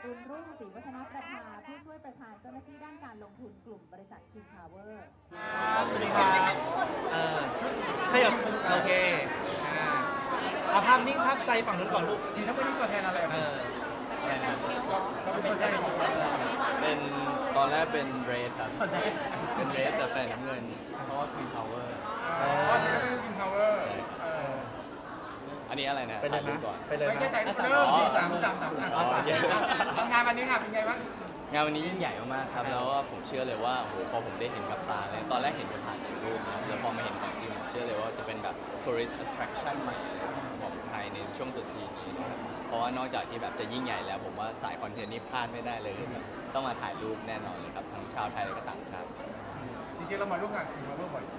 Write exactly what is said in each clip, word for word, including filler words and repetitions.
รุณรุ่งศรีวัฒนประภาผู้ช่วยประธานเจ้าหน้าที่ด้านการลงทุนกลุ่มบริษัท King Power สวัสดีครับเออขยับโอเคอ่าเอาภาพนิ่งภาพใจฝั่งนู้นก่อนลูกนี่ถ้าไม่ได้ตัวแทนอะไรเออเราเป็นตัวแทนของเราเป็นตอนแรกเป็นเรดครับ เป็นเรดแต่ใส่น้ำเงิน เพราะว่า King Power อ๋อที่เราเป็นคิงพาวเวอร์อันนี้อะไรนะไปเลยถ่ายรูนะปก่อนไปเลยไม่ใช่นะใจเริ่มที่สามสามสามสามทำงานวันนี้ค่ะเป็นไงบ้างงานวันนี้ยิ่งใหญ่มากๆครับ แล้วก็ผมเชื่อเลยว่าโอ้โหพอผมได้เห็นกับตาเลยตอนแรกเห็นแต่ผ่านในรูปนะครับแล้วพอมาเห็นของจริงผมเชื่อเลยว่าจะเป็นแบบ tourist attraction ใหม่ของไทยในช่วงตรุษจีนนี้นะครับเพราะว่านอกจากที่แบบจะยิ่งใหญ่แล้วผมว่าสายคอนเทนต์นี่พลาดไม่ได้เลยครับต้องมาถ่ายรูปแน่นอนเลยครับทั้งชาวไทยและก็ต่างชาติจริงๆเรามาร่วมงานคิงพาวเวอร์บ่อย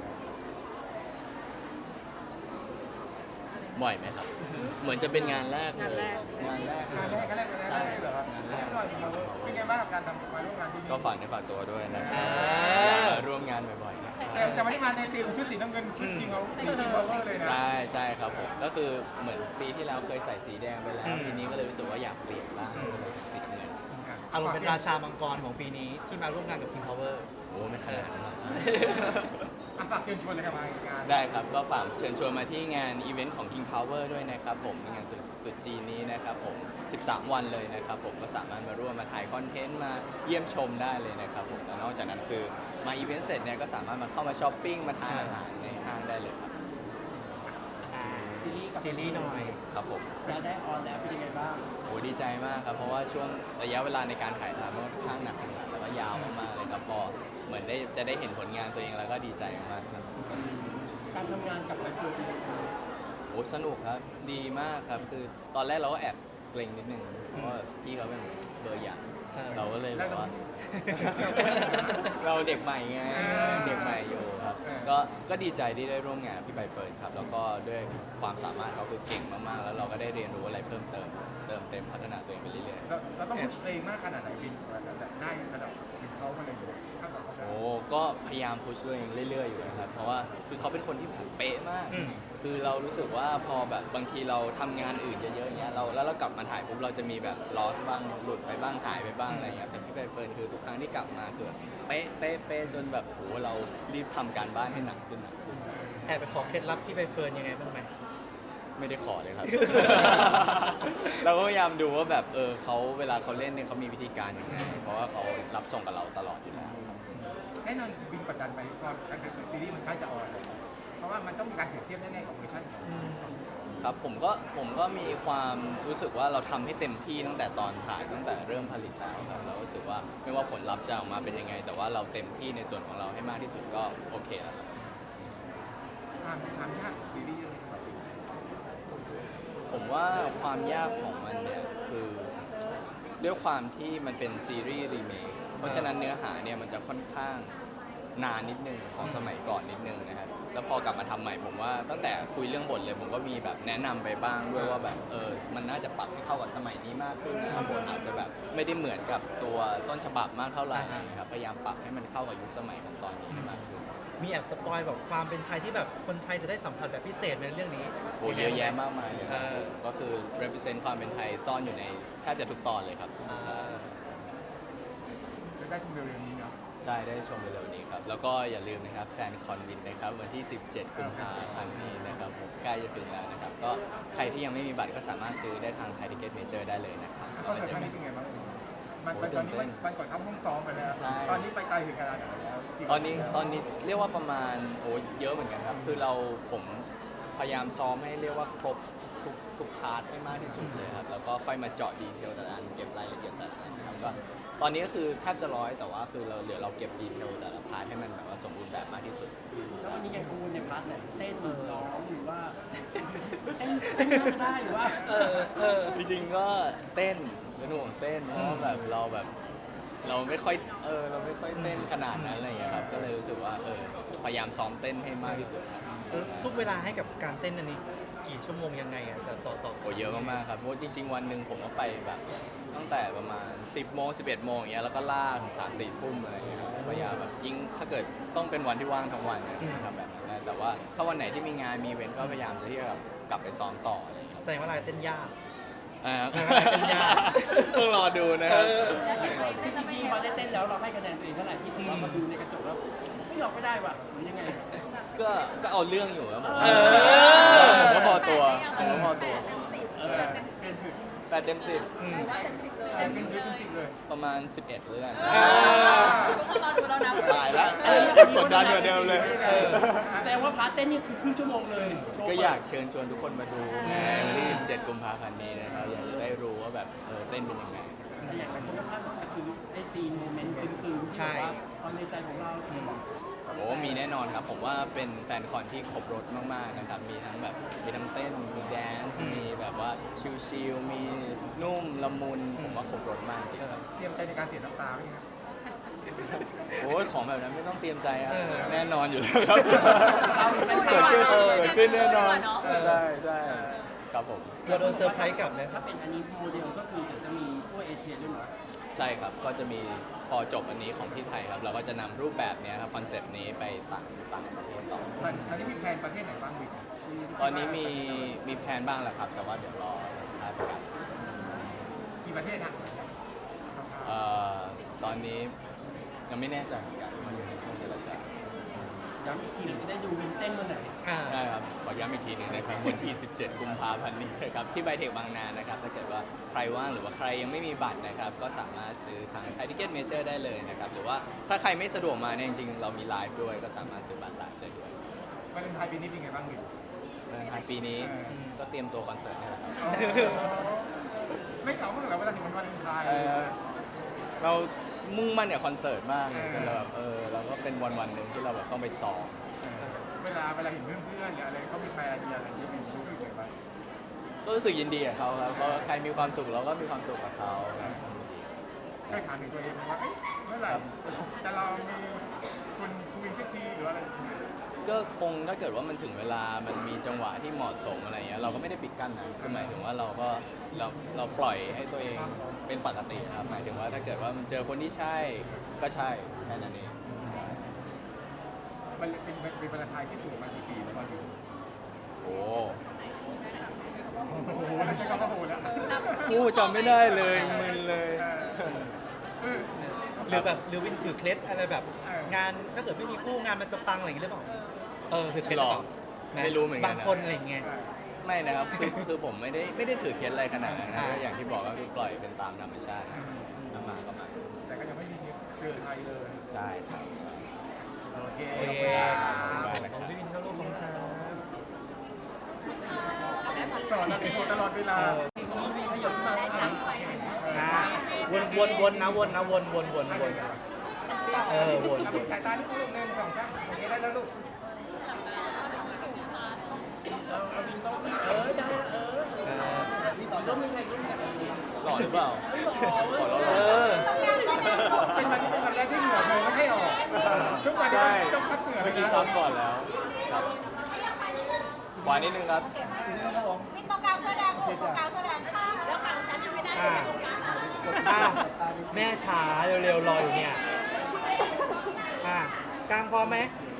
บ่อยไหมครับ เหมือนจะเป็นงานแรกเลยงานแรกงานแรกก็แรกก็แรกใช่เหรอครับงานแรกเป็นไงบ้างกับการทำมาร่วมงานที่นี่ก็ฝากในฝากตัวด้วยนะครับอ่าอยากมาร่วมงานบ่อยๆนะครับแต่แต่วันนี้มาในธีมชุดสีน้ำเงินชุดคิงเขาคิงพาวเวอร์เลยนะใช่ใช่ครับผมก็คือเหมือนปีที่แล้วเคยใส่สีแดงไปแล้วปีนี้ก็เลยรู้สึกว่าอยากเปลี่ยนบ้างสีน้ำเงินอารมณ์เป็นราชามังกรของปีนี้ที่มาร่วมงานกับ King Power โอ้ไม่ขนาดนั้นหรอกครับอ่ะฝากเชิญชวนเลยครับมางานได้ครับก็ฝากเชิญชวนมาที่งานอีเวนต์ของ King Power ด้วยนะครับผมในงานตรุษจีนนี้นะครับผมสิบสามวันเลยนะครับผมก็สามารถมาร่วมมาถ่ายคอนเทนต์มาเยี่ยมชมได้เลยนะครับผมแล้วนอกจากนั้นคือมาอีเวนต์เสร็จเนี่ยก็สามารถมาเข้ามาช้อปปิ้งมาทานอาหารในห้างได้เลยครับอ่าซีรีส์ซีรีส์หน่อยครับผมแล้วได้ออนแล้วเป็นยังไงบ้างโอ้ดีใจมากครับเพราะว่าช่วงระยะเวลาในการถ่ายทำมันค่อนข้างหนักแล้วก็ยาวมากๆเลยครับพอเหมือนได้จะได้เห็นผลงานตัวเองแล้วก็ดีใจมากๆครับการทำงานกับไมโครเป็นยังไงโอ้สนุกครับดีมากครับคือตอนแรกเราก็แอบเกรงนิดนึงเพราะว่าพี่เขาเป็นเบอร์ใหญ่เราก็เลยแบบว่า เราเด็กใหม่ไงเด็กใหม่อยู่ครับก็ก็ดีใจที่ได้ร่วมงานกับพี่ใบเฟิร์นครับแล้วก็ด้วยความสามารถเขาคือเก่งมากๆ แล้วเราก็ได้เรียนรู้อะไรเพิ่มเติมเติมเต็มพัฒนาตัวเองไปเรื่อยๆเราเราต้องพุชตัวเองมากขนาดไหนบินกว่าจะได้ระดับคิงเขามาเลยข้างหลังเขาได้โอ้ก็พยายามพุชตัวเองเรื่อยๆอยู่นะครับ เพราะว่าคือเขาเป็นคนที่แบบเป๊ะมากอืมคือเรารู้สึกว่าพอแบบบางทีเราทำงานอื่นเยอะๆอย่างเงี้ยเราแล้วเรากลับมาถ่ายปุ๊บเราจะมีแบบลอสบ้างหลุดไปบ้างหายไปบ้างอะไรเงี้ยแต่พี่ใบเฟิร์นคือทุกครั้งที่กลับมาคือแบบเป๊ะเป๊ะเป๊ะจนแบบโหเรารีบทำการบ้านให้หนักขึ้นหนักขึ้นแอบไปขอเคล็ดลับที่ใบเฟิร์นยังไงบ้างไหมไม่ได้ขอเลยครับ เราก็พยายามดูว่าแบบเออเขาเวลาเขาเล่นเนี่ยเขามีวิธีการยังไง เพราะว่าเขารับส่งกับเราตลอดอยู่แล้วแน่นอนบินกดดันไปตอนการเป็นซีรีส์มันใกล้จะออนเลยเพราะว่ามันต้องมีการเปรียบเทียบแน่ๆกับเวอร์ชันของครับผมก็ผมก็มีความรู้สึกว่าเราทำให้เต็มที่ตั้งแต่ตอนถ่ายตั้งแต่เริ่มผลิตแล้วครับเรารู้สึกว่าไม่ว่าผลลัพธ์จะออกมาเป็นยังไง แต่ว่าเราเต็มที่ในส่วนของเราให้มากที่สุดก็โอเคแล้วครับความความยากของซีรีส์เรื่องนี้ครับผมว่าความยากของมันเนี่ยคือด้วยความที่มันเป็นซีรีส์รีเมคเพราะฉะนั้นเนื้อหาเนี่ยมันจะค่อนข้างนานนิดนึงของสมัยก่อนนิดนึงนะครับแล้วพอกลับมาทำใหม่ผมว่าตั้งแต่คุยเรื่องบทเลยผมก็มีแบบแนะนำไปบ้างด้วยว่าแบบเออมันน่าจะปรับให้เข้ากับสมัยนี้มากขึ้นนะบทอาจจะแบบไม่ได้เหมือนกับตัวต้นฉบับมากเท่าไหร่นะครับพยายามปรับให้มันเข้ากับยุคสมัยของตอนนี้ให้มากขึ้นมีแอบสปอยแบบความเป็นไทยที่แบบคนไทยจะได้สัมผัสแบบพิเศษในเรื่องนี้โอ้เยอะแยะมากมายเลยครับเออก็คือ represent ความเป็นไทยซ่อนอยู่ในแทบจะทุกตอนเลยครับใช่จะได้ชมเร็วๆนี้เนาะใช่ได้ชมเร็วๆนี้ครับ แล้วก็อย่าลืมนะครับแฟนคอนวินนะครับวันที่ สิบเจ็ด กุมภาพันธ์นี้นะครับผมใกล้จะถึงแล้วนะครับ ก็ใครที่ยังไม่มีบัตรก็สามารถซื้อได้ทางไทยทิเก็ตเมเจอร์ได้เลยนะครับคอนเสิร์ตครั้งนี้เป็นไงบ้างมันตอนนี้มันมันก่อนเข้าห้องซ้อมไปแล้ว ตอนนี้ไปไกลถึงขนาดไหนแล้วตอนนี้ตอนนี้เรียกว่าประมาณโอ้เยอะเหมือนกันครับ คือเราผมพยายามซ้อมให้เรียกว่าครบทุกทุกพาร์ทให้มากที่สุดเลยครับ แล้วก็ค่อยมาเจาะดีเทลแต่ละอันเก็บรายละเอียดแต่ละอันครับก็ตอนนี้ก็คือแทบจะร้อยแต่ว่าคือเราเหลือเราเก็บดีเทลแต่ละพาร์ทให้มันแบบว่าสมบูรณ์แบบมากที่สุดแล้ววันนี้ยังกังวลในพาร์ทไหนเต้นร้องหรือว่าเต้นเต้นนั่งได้หรือว่าเออเออจริงๆก็เต้นเป็นห่วงเต้นเพราะว่าแบบเราแบบเราไม่ค่อยเออเราไม่ค่อยเต้นขนาดนั้นอะไรอย่างเงี้ยครับก็เลยรู้สึกว่าเออพยายามซ้อมเต้นให้มากที่สุดครับเออทุกเวลาให้กับการเต้นอันนี้กี่ชั่วโมงยังไงอ่ะแต่ต่อต่อโอ้เยอะมากๆครับเพราะจริง ๆ วันหนึ่งผมก็ไปแบบตั้งแต่ประมาณ สิบโมงสิบเอ็ดโมงอย่างเงี้ยแล้วก็ล่าถึงสามสี่ทุ่มอะไรอย่างเงี้ยครับพยายามแบบยิ่งถ้าเกิดต้องเป็นวันที่ว่างทั้งวันเนี่ยทำแบบนั้นนะแต่ว่าถ้าวันไหนที่มีงานมีอีเว้นต์ก็พยายามที่จะแบบกลับไปซ้อมต่ออะไรอย่างเงี้ยแสดงว่าลายเต้นยากอ่ากันยาต้องรอดูนะครับจริงๆพอได้เต้นแล้วเราให้คะแนนตัวเองเท่าไหร่ที่ผมว่ามาดูในกระจกแล้วไม่เราก็ได้ว่ะหรือยังไงก็ก็เอาเรื่องอยู่ครับผมเออผมก็พอตัวผมก็พอตัวเออเป็นถึงแปดเต็มสิบอืมเป็นถึงเป็นจริงเลยประมาณสิบเอ็ดเรื่องอ่าตายแล้วกดดันกว่าเดิมเลยเออแสดงว่าพาร์ทเต้นนี่คือครึ่งชั่วโมงเลยโชว์ก็อยากเชิญชวนทุกคนมาดูในวันที่สิบเจ็ดกุมภาพันธ์นี้นะครับอยากจะได้รู้ว่าแบบเออเต้นเป็นยังไงแต่อย่างไรคนก็คาดหวังก็คือไอซีนโมเมนต์ซึ้งๆใช่แบบว่าความในใจของเราโอ้มีแน่นอนครับผมว่าเป็นแฟนคอนที่ครบรถมากๆนะครับมีทั้งแบบมีทั้งเต้นมีแดนซ์มีแบบว่าชิลๆมีนุ่มละมุนผมว่าครบรถมากจริงเตรียมใจในการเสียน้ำตาไหมครับโอ้ยของแบบนั้นไม่ต้องเตรียมใจอะเออแน่นอนอยู่แล้วครับเราเป็นแฟเกินดคลัขึ้นบเออเกิดขึ้นแน่นอนเออใช่ใช่ครับผมเราโดนเซอร์ไพรส์กลับนะถ้าเป็นอันนี้โมเดลก็คือเดี๋ยวจะมีทั่วเอเชียด้วยเหรอใช่ครับ ก็จะมีพอจบอันนี้ของที่ไทยครับ เราก็จะนำรูปแบบเนี้ยครับคอนเซปต์นี้ไปต่างต่างประเทศต่อมันอันนี้มีแผนประเทศไหนบ้างบิ๊กที่ที่ตอนนี้มีมีแพลนบ้างแล้วครับ แต่ว่าเดี๋ยวรอท้ายประกาศกี่ประเทศฮะเอ่อตอนนี้ยังไม่แน่ใจเหมือนกันมันอยู่ในช่วงเจรจาย้ำอีกทีเราจะได้ดูวินเต้นวันไหนอ่าใช่ครับขอย้ำอีกทีหนึงนะครับวันที่ สิบเจ็ด กุมภาพันธ์นี้นะครับที่ไบเทคบางนานะครับถ้าเกิดว่าใครว่างหรือว่าใครยังไม่มีบัตรนะครับก็สามารถซื้อทางไทยทิเก็ตเมเจอร์ได้เลยนะครับหรือว่าถ้าใครไม่สะดวกมาเนี่ยจริงๆเรามีไลฟ์ด้วยก็สามารถซื้อบัตรไลฟ์ได้ด้วยวาเลนไทน์ปีนี้เป็นไงบ้างบิ๊กวันท้ายปีนี้เออก็เตรียมตัวคอนเสิร์ตนี่แหละครับไม่เหงาบ้างเหรอเวลาถึงวันวาเลนไทน์เอ่อเรามุ่งมั่นกับคอนเสิร์ตมากเออจนเราแบบเออเราก็เป็นวันวันๆหนึ่งที่เราแบบต้องไปซ้อมเวลาเวลาเห็นเพื่อนๆหรืออะไรเขามีแฟนมีอะไรอย่างเงี้ยเป็นรู้สึกยังไงบ้างก็รู้สึกยินดีกับเขาครับเพราะใครมีความสุขเราก็มีความสุขกับเขาครับเคยถามถึงตัวเองไหมว่าเอ๊ะเมื่อไหร่จะลองมีคุณคุยสักทีหรืออะไรก็คงถ้าเกิดว่ามันถึงเวลามันมีจังหวะที่เหมาะสมอะไรเงี้ยเราก็ไม่ได้ปิดกั้นนะคือหมายถึงว่าเราก็เราเราปล่อยให้ตัวเองเป็นปกติครับหมายถึงว่าถ้าเกิดว่ามันเจอคนที่ใช่ก็ใช่แค่นั้นเองมันเป็นเป็นวาเลนไทน์ที่สูงมากี่ปีแล้วมาอยู่โอ้โอ้โหใช้คำว่าโหแล้วกูจำไม่ได้เลยมึนเลยเออหรือแบบหรือวินถือเคล็ดอะไรแบบเอองานถ้าเกิดไม่มีคู่งานมันจะปังอะไรอย่างเงี้ยหรือเปล่าเออถือเคล็ดหรอนะไม่รู้เหมือนกันนะบางคนอะไรอย่างเงี้ยไม่นะครับคือคือผมไม่ได้ไม่ได้ถือเคล็ดอะไรขนาดนั้นนะอ่าก็อย่างที่บอกก็คือปล่อยเป็นตามธรรมชาติถ้ามาก็มาแต่ก็ยังไม่มีเจอใครเลยใช่ครับใช่โอเคโอเคขอบคุณครับของพี่วินเข้าร่วมของครับสอนอะไรตลอดเวลามีขยับขึ้นมาได้ไหมอ่าวนวนวนนะวนนะวนวนวนวนเออวนเอาเป็นสายตาที่ลูกหนึ่งสองสามโอเคได้แล้วลูกเราเราวินต้องเออได้ละเออเออมีต่อต้องมีใครรู้จักหล่อหรือเปล่าหล่อเว้ยขอเราหเอล่ออเป็นวันที่เป็นวันแรกที่เหงื่อเลยไม่ให้ออกทุกวันนี้ต้องพักเหงื่อเลเมื่อย กี้นะซ้อมก่อนแล้วครับขวานิดนึงครับมีตรงกลางเสื้อแดงลูกตรงกลางเสื้อแดงค่ะแล้วฝั่งฉันยังไม่ได้เลยตรงกลางค่ะอ่ะแม่ช้าเร็วๆรออยู่เนี่ยอ่ะกลางพร้อมไหมพ